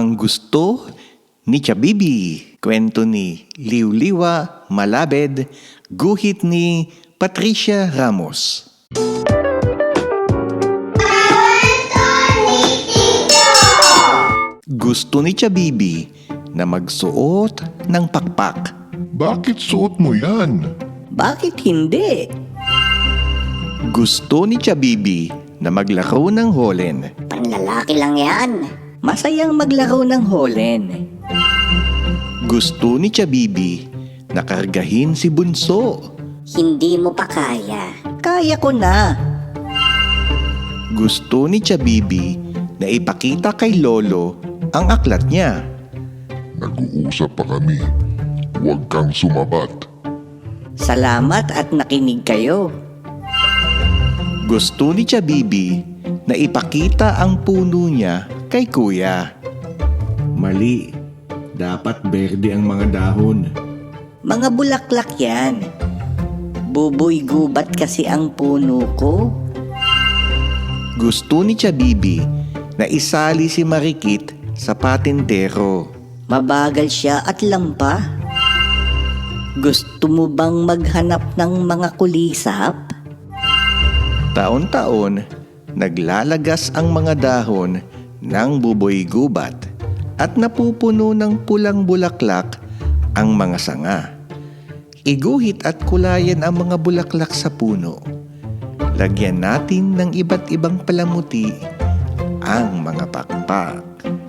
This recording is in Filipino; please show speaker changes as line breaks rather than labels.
Ang gusto ni Chabibi. Kwento ni Liwliwa Malabed. Guhit ni Patricia Ramos. Gusto ni Chabibi na magsuot ng pakpak.
Bakit suot mo yan?
Bakit hindi?
Gusto ni Chabibi na maglaro ng holen.
Panlalaki lang yan.
Masayang maglaro ng holen.
Gusto ni Chabibi na kargahin si Bunso.
Hindi mo pa kaya.
Kaya ko na.
Gusto ni Chabibi na ipakita kay Lolo ang aklat niya.
Nag-uusap pa kami. Huwag kang sumabat.
Salamat at nakinig kayo.
Gusto ni Chabibi na ipakita ang puno niya kay Kuya. Mali. Dapat berde ang mga dahon.
Mga bulaklak yan. Buboy gubat kasi ang puno ko.
Gusto ni Chabibi na isali si Marikit sa patintero.
Mabagal siya at lampa. Gusto mo bang maghanap ng mga kulisap?
Taon-taon, naglalagas ang mga dahon ng buboy gubat at napupuno ng pulang bulaklak ang mga sanga. Iguhit at kulayan ang mga bulaklak sa puno. Lagyan natin ng iba't ibang palamuti ang mga pakpak.